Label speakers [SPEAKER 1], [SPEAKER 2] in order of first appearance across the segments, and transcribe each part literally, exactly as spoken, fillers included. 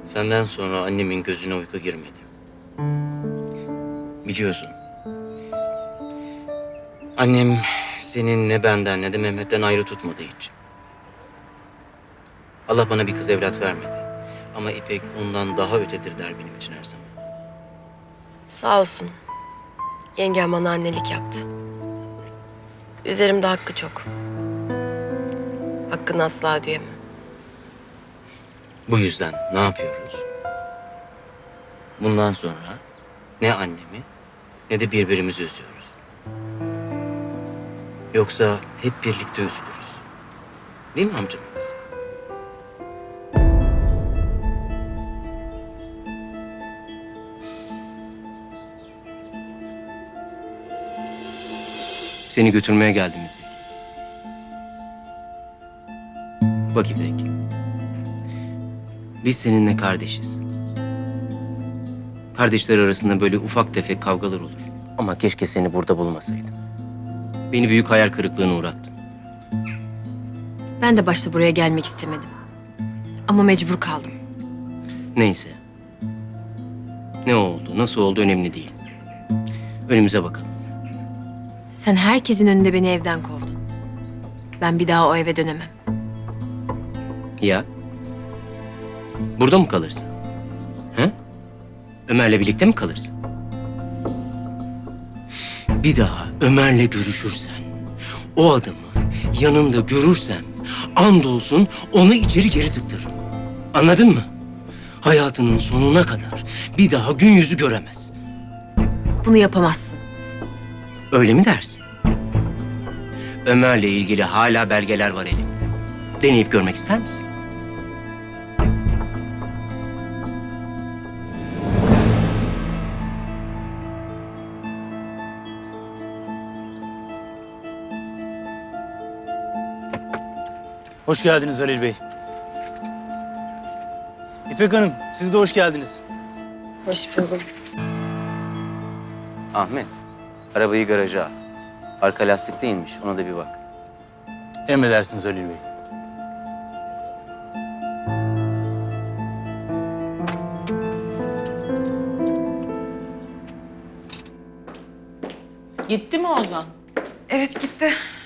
[SPEAKER 1] Senden sonra annemin gözüne uyku girmedi. Biliyorsun. Annem senin ne benden ne de Mehmet'ten ayrı tutmadı hiç. Allah bana bir kız evlat vermedi. Ama İpek ondan daha ötedir der benim için her zaman.
[SPEAKER 2] Sağ olsun. Yengem bana annelik yaptı. Üzerimde hakkı çok. Hakkını asla ödeyemem.
[SPEAKER 1] Bu yüzden ne yapıyoruz? Bundan sonra ne annemi ne de birbirimizi üzüyoruz. Yoksa hep birlikte üzülürüz. Değil mi amcamın kızı? Seni götürmeye geldim İpek. Bak İpek. Biz seninle kardeşiz. Kardeşler arasında böyle ufak tefek kavgalar olur. Ama keşke seni burada bulmasaydım. Beni büyük hayal kırıklığına uğrattın.
[SPEAKER 2] Ben de başta buraya gelmek istemedim. Ama mecbur kaldım.
[SPEAKER 1] Neyse. Ne oldu, nasıl oldu önemli değil. Önümüze bakalım.
[SPEAKER 2] Sen herkesin önünde beni evden kovdun. Ben bir daha o eve dönemem.
[SPEAKER 1] Ya? Burada mı kalırsın? He? Ömer'le birlikte mi kalırsın? Bir daha Ömer'le görüşürsen, o adamı yanında görürsem, andolsun onu içeri geri tıktırırım. Anladın mı? Hayatının sonuna kadar bir daha gün yüzü göremez.
[SPEAKER 2] Bunu yapamazsın.
[SPEAKER 1] Öyle mi dersin? Ömer'le ilgili hala belgeler var elimde. Deneyip görmek ister misin?
[SPEAKER 3] Hoş geldiniz Halil Bey. İpek Hanım, siz de hoş geldiniz.
[SPEAKER 2] Hoş buldum.
[SPEAKER 1] Ahmet, arabayı garaja al. Arka lastik değilmiş, ona da bir bak.
[SPEAKER 3] Emredersiniz Halil Bey.
[SPEAKER 4] Gitti mi Ozan?
[SPEAKER 5] Evet gitti.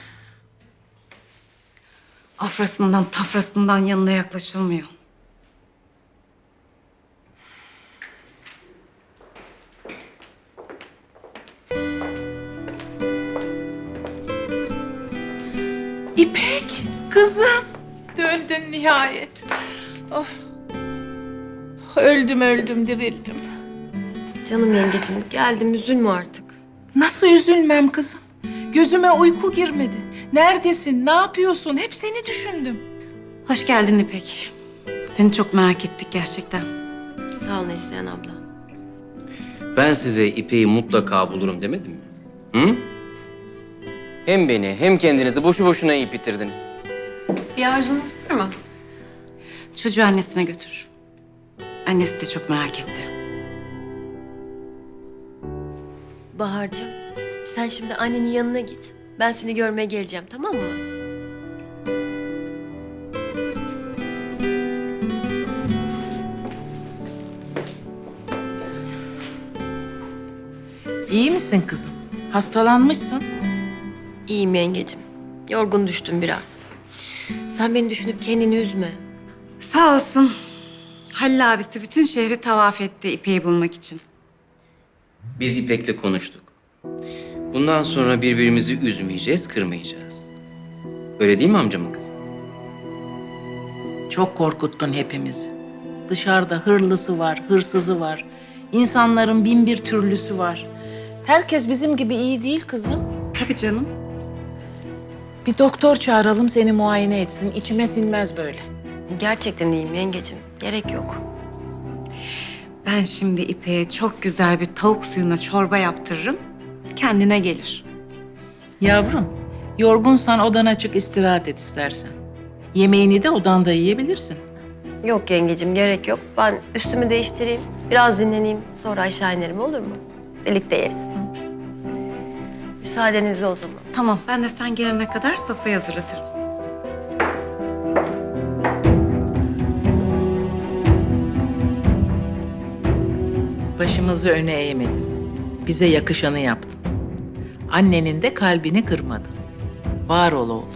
[SPEAKER 5] Afrasından tafrasından yanına yaklaşılmıyor.
[SPEAKER 4] İpek, kızım. Döndün nihayet. Oh. Öldüm öldüm dirildim.
[SPEAKER 2] Canım yengecim geldim, üzülme artık.
[SPEAKER 4] Nasıl üzülmem kızım? Gözüme uyku girmedi. Neredesin, ne yapıyorsun? Hep seni düşündüm.
[SPEAKER 5] Hoş geldin İpek. Seni çok merak ettik gerçekten.
[SPEAKER 2] Sağ ol Neslihan abla.
[SPEAKER 1] Ben size İpek'i mutlaka bulurum demedim mi? Hı? Hem beni hem kendinizi boşu boşuna yiyip bitirdiniz.
[SPEAKER 2] Bir arzunuz var mı?
[SPEAKER 5] Çocuğu annesine götür. Annesi de çok merak etti.
[SPEAKER 2] Bahar'cığım, sen şimdi annenin yanına git. Ben seni görmeye geleceğim, tamam mı?
[SPEAKER 4] İyi misin kızım? Hastalanmışsın.
[SPEAKER 2] İyiyim yengecim. Yorgun düştüm biraz. Sen beni düşünüp kendini üzme.
[SPEAKER 5] Sağ olsun. Halil abisi bütün şehri tavaf etti İpek'i bulmak için.
[SPEAKER 1] Biz İpek'le konuştuk. Bundan sonra birbirimizi üzmeyeceğiz, kırmayacağız. Öyle değil mi amcamın kızı?
[SPEAKER 6] Çok korkuttun hepimizi. Dışarıda hırlısı var, hırsızı var. İnsanların bin bir türlüsü var.
[SPEAKER 4] Herkes bizim gibi iyi değil kızım.
[SPEAKER 5] Tabii canım.
[SPEAKER 4] Bir doktor çağıralım seni muayene etsin. İçime sinmez böyle.
[SPEAKER 2] Gerçekten iyiyim yengecim. Gerek yok.
[SPEAKER 5] Ben şimdi İpek'e çok güzel bir tavuk suyuna çorba yaptırırım. Kendine gelir.
[SPEAKER 6] Yavrum, yorgunsan odana çık istirahat et istersen. Yemeğini de odanda yiyebilirsin.
[SPEAKER 2] Yok yengecim, gerek yok. Ben üstümü değiştireyim, biraz dinleneyim. Sonra aşağı inerim, olur mu? Birlikte yeriz. Müsaadenizle o zaman.
[SPEAKER 5] Tamam, ben de sen gelene kadar sofrayı hazırlatırım.
[SPEAKER 6] Başımızı öne eğmedin. Bize yakışanı yaptın. Annenin de kalbini kırmadın. Var ol oğlum.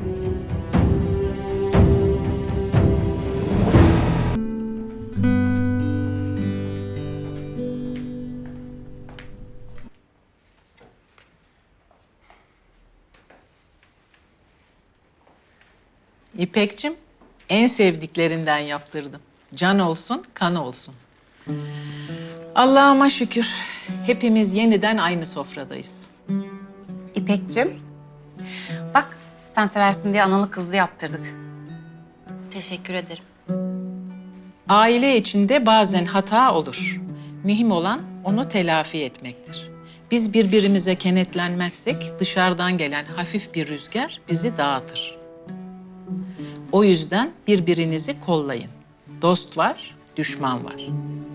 [SPEAKER 6] İpekçim, en sevdiklerinden yaptırdım. Can olsun, kan olsun. Allah'ıma şükür, hepimiz yeniden aynı sofradayız.
[SPEAKER 5] İpek'cim, bak sen seversin diye analı kızlı yaptırdık.
[SPEAKER 2] Teşekkür ederim.
[SPEAKER 6] Aile içinde bazen hata olur. Mühim olan onu telafi etmektir. Biz birbirimize kenetlenmezsek dışarıdan gelen hafif bir rüzgar bizi dağıtır. O yüzden birbirinizi kollayın. Dost var, düşman var.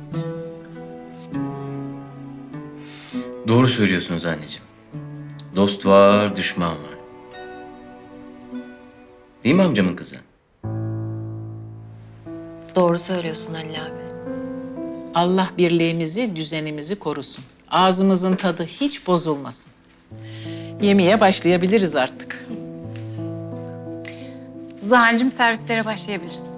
[SPEAKER 1] Doğru söylüyorsunuz anneciğim. Dost var, düşman var. Değil mi amcamın kızı?
[SPEAKER 2] Doğru söylüyorsun Halil abi.
[SPEAKER 6] Allah birliğimizi, düzenimizi korusun. Ağzımızın tadı hiç bozulmasın. Yemeğe başlayabiliriz artık.
[SPEAKER 5] Zuhal'cim servislere başlayabiliriz.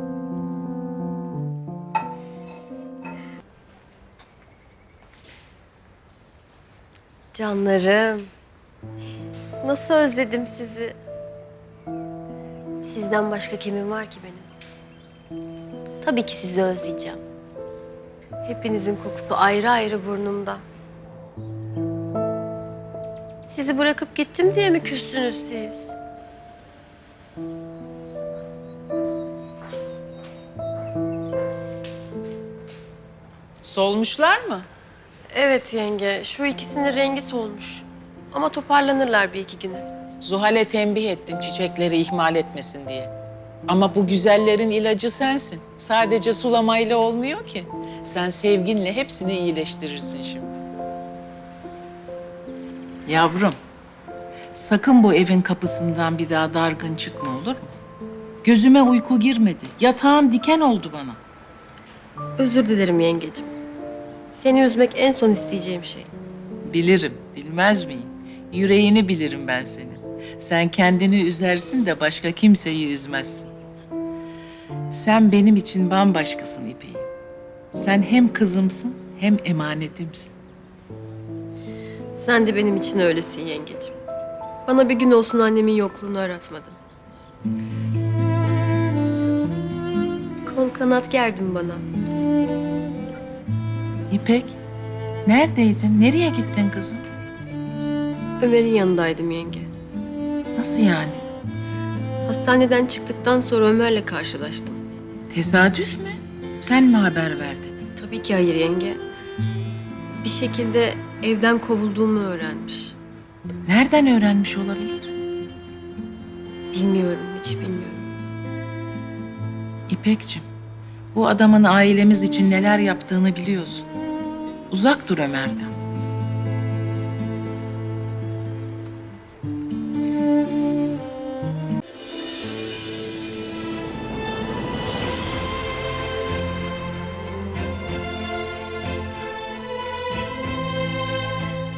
[SPEAKER 2] Canlarım. Nasıl özledim sizi. Sizden başka kimim var ki benim? Tabii ki sizi özleyeceğim. Hepinizin kokusu ayrı ayrı burnumda. Sizi bırakıp gittim diye mi küstünüz siz?
[SPEAKER 6] Solmuşlar mı?
[SPEAKER 2] Evet yenge, şu ikisinin rengi solmuş. Ama toparlanırlar bir iki güne.
[SPEAKER 6] Zuhal'e tembih ettim çiçekleri ihmal etmesin diye. Ama bu güzellerin ilacı sensin. Sadece sulamayla olmuyor ki. Sen sevginle hepsini iyileştirirsin şimdi. Yavrum, sakın bu evin kapısından bir daha dargın çıkma olur mu? Gözüme uyku girmedi. Yatağım diken oldu bana.
[SPEAKER 2] Özür dilerim yengecim. Seni üzmek en son isteyeceğim şey.
[SPEAKER 6] Bilirim, bilmez miyim? Yüreğini bilirim ben senin. Sen kendini üzersin de başka kimseyi üzmezsin. Sen benim için bambaşkasın İpek'im. Sen hem kızımsın hem emanetimsin.
[SPEAKER 2] Sen de benim için öylesin yengecim. Bana bir gün olsun annemin yokluğunu aratmadın. Kol kanat gerdin bana.
[SPEAKER 6] İpek, neredeydin? Nereye gittin kızım?
[SPEAKER 2] Ömer'in yanındaydım yenge.
[SPEAKER 6] Nasıl yani?
[SPEAKER 2] Hastaneden çıktıktan sonra Ömer'le karşılaştım.
[SPEAKER 6] Tesadüf mü? Sen mi haber verdin?
[SPEAKER 2] Tabii ki hayır yenge. Bir şekilde evden kovulduğumu öğrenmiş.
[SPEAKER 6] Nereden öğrenmiş olabilir?
[SPEAKER 2] Bilmiyorum, hiç bilmiyorum.
[SPEAKER 6] İpekçim, bu adamın ailemiz için neler yaptığını biliyorsun. Uzak dur Ömer'den.